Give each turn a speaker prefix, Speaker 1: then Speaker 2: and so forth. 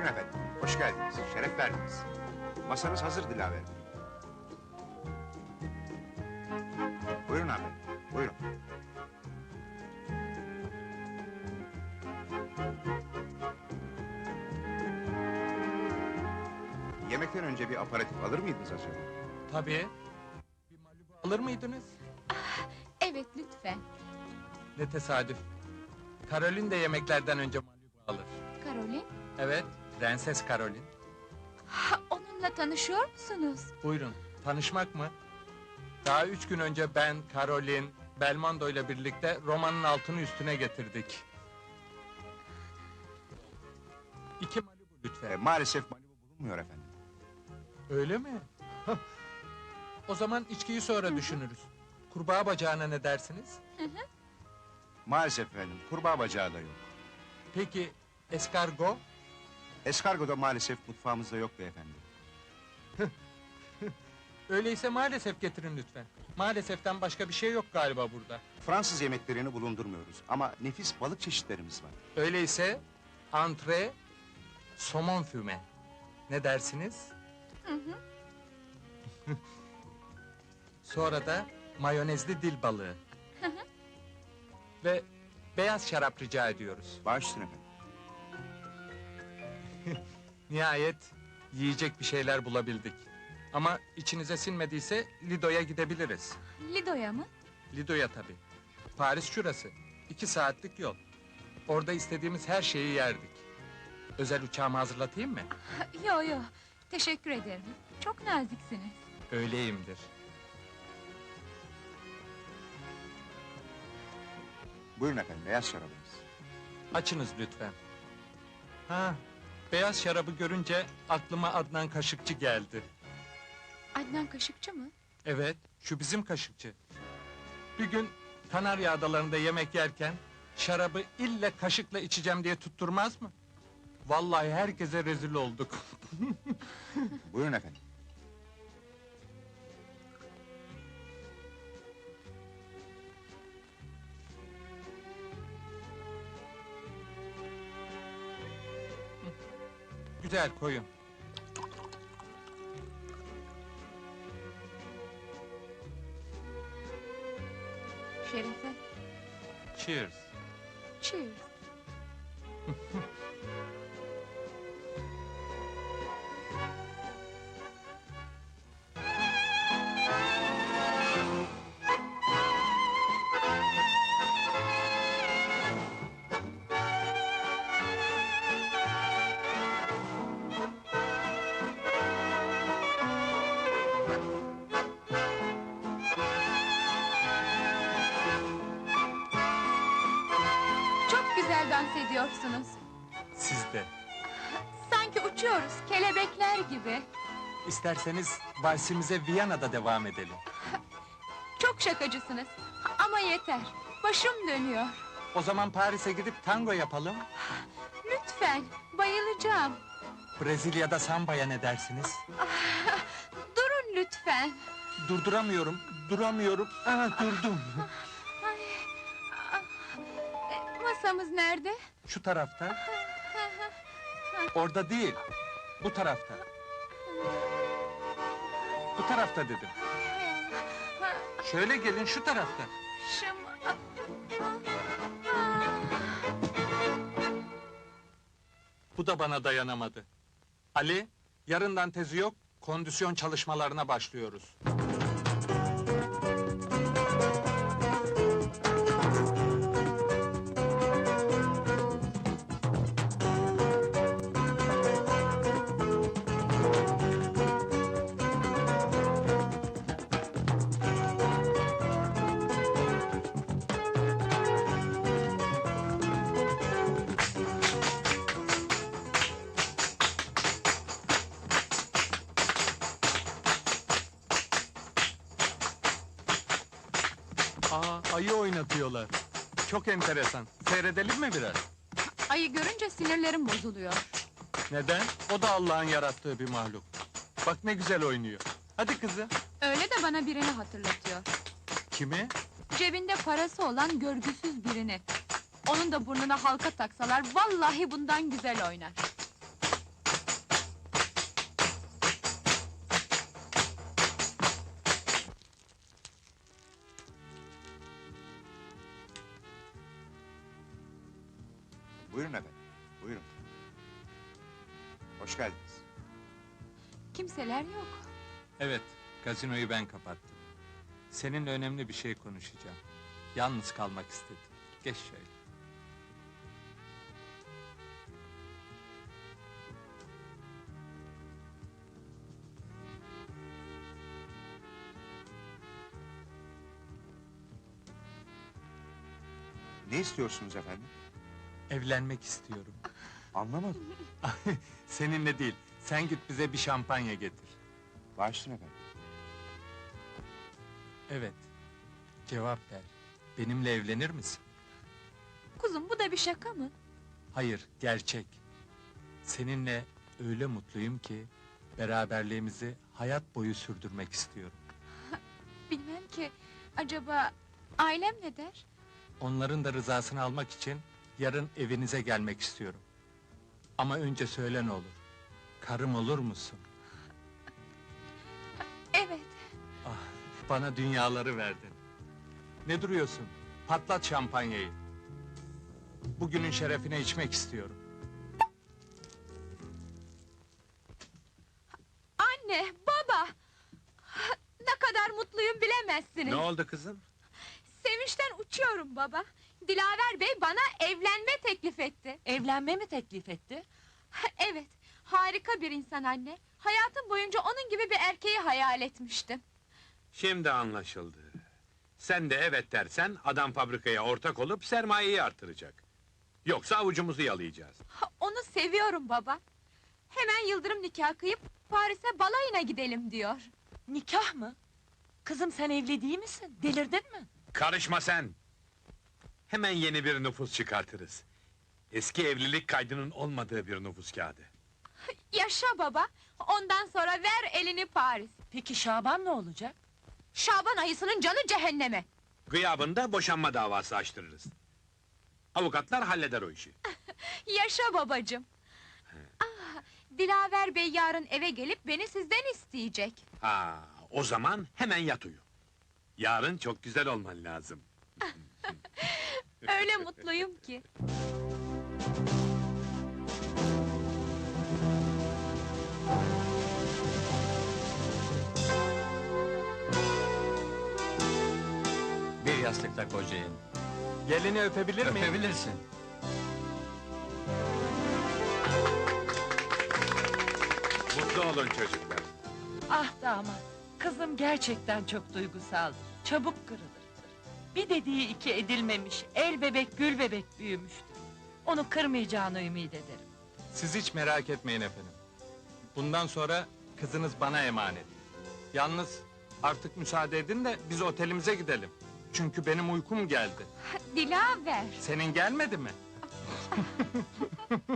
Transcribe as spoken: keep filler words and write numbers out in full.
Speaker 1: efendim, hoş geldiniz, şeref verdiniz. Masanız hazır Dilaver Bey. Buyurun hanımefendi, buyurun. Yemekten önce bir aparatif alır mıydınız acaba?
Speaker 2: Tabii. Bir Malibu alır mıydınız?
Speaker 3: Evet, lütfen.
Speaker 2: Ne tesadüf. Karolin de yemeklerden önce Malibu alır.
Speaker 3: Karolin,
Speaker 2: Evet, Prenses Karolin.
Speaker 3: ha, onunla tanışıyor musunuz?
Speaker 2: Buyurun, tanışmak mı? Daha üç gün önce ben, Karolin, Belmondo ile birlikte romanın altını üstüne getirdik. İki Malibu
Speaker 1: E,
Speaker 2: lütfen.
Speaker 1: maalesef Malibu bulunmuyor efendim.
Speaker 2: Öyle mi? Hah. O zaman içkiyi sonra düşünürüz. Kurbağa bacağına ne dersiniz?
Speaker 1: Maalesef efendim, kurbağa bacağı da yok.
Speaker 2: Peki, eskargo?
Speaker 1: Eskargo da maalesef mutfağımızda yok beyefendi.
Speaker 2: Öyleyse maalesef getirin lütfen. Maaleseften başka bir şey yok galiba burada.
Speaker 1: Fransız yemeklerini bulundurmuyoruz ama nefis balık çeşitlerimiz var.
Speaker 2: Öyleyse antre, somon füme. Ne dersiniz?
Speaker 3: Hı hı.
Speaker 2: Sonra da mayonezli dil balığı. Ve beyaz şarap rica ediyoruz.
Speaker 1: Baş üstüne efendim.
Speaker 2: Nihayet yiyecek bir şeyler bulabildik. Ama içinize sinmediyse Lido'ya gidebiliriz.
Speaker 3: Lido'ya mı?
Speaker 2: Lido'ya tabii. Paris şurası. İki saatlik yol. Orada istediğimiz her şeyi yerdik. Özel uçağımı hazırlatayım mı?
Speaker 3: Yo yo, teşekkür ederim. Çok naziksiniz.
Speaker 2: Öyleyimdir.
Speaker 1: Buyurun efendim, beyaz şarabımız.
Speaker 2: Açınız lütfen. Ha, beyaz şarabı görünce aklıma Adnan Kaşıkçı geldi.
Speaker 3: Adnan Kaşıkçı mı?
Speaker 2: Evet, şu bizim kaşıkçı. Bir gün Kanarya Adaları'nda yemek yerken şarabı ille kaşıkla içeceğim diye tutturmaz mı? Vallahi herkese rezil olduk.
Speaker 1: Buyurun efendim.
Speaker 2: Güzel koyun.
Speaker 3: Şerefe.
Speaker 2: Cheers.
Speaker 3: Cheers. Çok güzel dans ediyorsunuz.
Speaker 2: Siz de.
Speaker 3: Sanki uçuyoruz, kelebekler gibi.
Speaker 2: İsterseniz valsimize Viyana'da devam edelim.
Speaker 3: Çok şakacısınız. Ama yeter, başım dönüyor.
Speaker 2: O zaman Paris'e gidip tango yapalım.
Speaker 3: Lütfen, bayılacağım.
Speaker 2: Brezilya'da sambaya ne dersiniz?
Speaker 3: Durun lütfen.
Speaker 2: Durduramıyorum, duramıyorum. Aha, durdum.
Speaker 3: Ay, ah, e, masamız nerede?
Speaker 2: Şu tarafta. Orada değil, bu tarafta. Bu tarafta dedim.
Speaker 3: Ha,
Speaker 2: Şöyle gelin, şu tarafta.
Speaker 3: şım- ah, ah, ah.
Speaker 2: Bu da bana dayanamadı. Ali, yarından tezi yok, kondisyon çalışmalarına başlıyoruz. Aa, ayı oynatıyorlar. Çok enteresan. Seyredelim mi biraz?
Speaker 3: Ayı görünce sinirlerim bozuluyor.
Speaker 2: Neden? O da Allah'ın yarattığı bir mahluk. Bak ne güzel oynuyor. Hadi kızım.
Speaker 3: Öyle de bana birini hatırlatıyor.
Speaker 2: Kimi?
Speaker 3: Cebinde parası olan görgüsüz birini. Onun da burnuna halka taksalar, vallahi bundan güzel oynar.
Speaker 1: Buyurun efendim, buyurun. Hoş geldiniz.
Speaker 3: Kimseler yok.
Speaker 2: Evet, gazinoyu ben kapattım. Seninle önemli bir şey konuşacağım. Yalnız kalmak istedim. Geç şöyle.
Speaker 1: Ne istiyorsunuz efendim?
Speaker 2: Evlenmek istiyorum.
Speaker 1: Anlamadım.
Speaker 2: Seninle değil, sen git bize bir şampanya getir.
Speaker 1: Başlayın efendim.
Speaker 2: Evet, cevap ver. Benimle evlenir misin?
Speaker 3: Kuzum, bu da bir şaka mı?
Speaker 2: Hayır, gerçek. Seninle öyle mutluyum ki... ...beraberliğimizi hayat boyu sürdürmek istiyorum.
Speaker 3: Bilmem ki, acaba ailem ne der?
Speaker 2: Onların da rızasını almak için... ...yarın evinize gelmek istiyorum. Ama önce söyle ne olur. Karım olur musun?
Speaker 3: Evet,
Speaker 2: Ah, bana dünyaları verdin. Ne duruyorsun? Patlat şampanyayı. Bugünün şerefine içmek istiyorum.
Speaker 3: anne, baba! Ne kadar mutluyum bilemezsiniz.
Speaker 4: Ne oldu kızım?
Speaker 3: Sevinçten uçuyorum baba. Dilaver Bey bana evlenme teklif etti.
Speaker 5: Evlenme mi teklif etti?
Speaker 3: Evet, harika bir insan anne. Hayatım boyunca onun gibi bir erkeği hayal etmiştim.
Speaker 4: Şimdi anlaşıldı. Sen de evet dersen, adam fabrikaya ortak olup sermayeyi artıracak. Yoksa avucumuzu yalayacağız.
Speaker 3: Onu seviyorum baba. Hemen yıldırım nikahı kıyıp Paris'e balayına gidelim diyor.
Speaker 5: Nikah mı? Kızım sen evli değil misin? Delirdin mi?
Speaker 4: Karışma sen! Hemen yeni bir nüfus çıkartırız. Eski evlilik kaydının olmadığı bir nüfus kağıdı.
Speaker 3: Yaşa baba, ondan sonra ver elini Paris.
Speaker 5: Peki Şaban ne olacak?
Speaker 3: Şaban ayısının canı cehenneme.
Speaker 4: Gıyabında boşanma davası açtırırız. Avukatlar halleder o işi.
Speaker 3: Yaşa babacığım. Ah, Dilaver Bey yarın eve gelip beni sizden isteyecek.
Speaker 4: Ha, o zaman hemen yat uyu. Yarın çok güzel olman lazım.
Speaker 3: Öyle mutluyum ki.
Speaker 6: Bir yastıkla kocayın.
Speaker 2: Gelini öpebilir miyim?
Speaker 6: Öpebilirsin.
Speaker 4: Mutlu olun çocuklar.
Speaker 5: Ah damat, kızım gerçekten çok duygusal. Çabuk kırılır. Bir dediği iki edilmemiş, el bebek gül bebek büyümüştür. Onu kırmayacağını ümit ederim.
Speaker 2: Siz hiç merak etmeyin efendim. Bundan sonra kızınız bana emanet. Yalnız artık müsaade edin de biz otelimize gidelim. Çünkü benim uykum geldi.
Speaker 3: Dilaver.
Speaker 2: Senin gelmedi mi?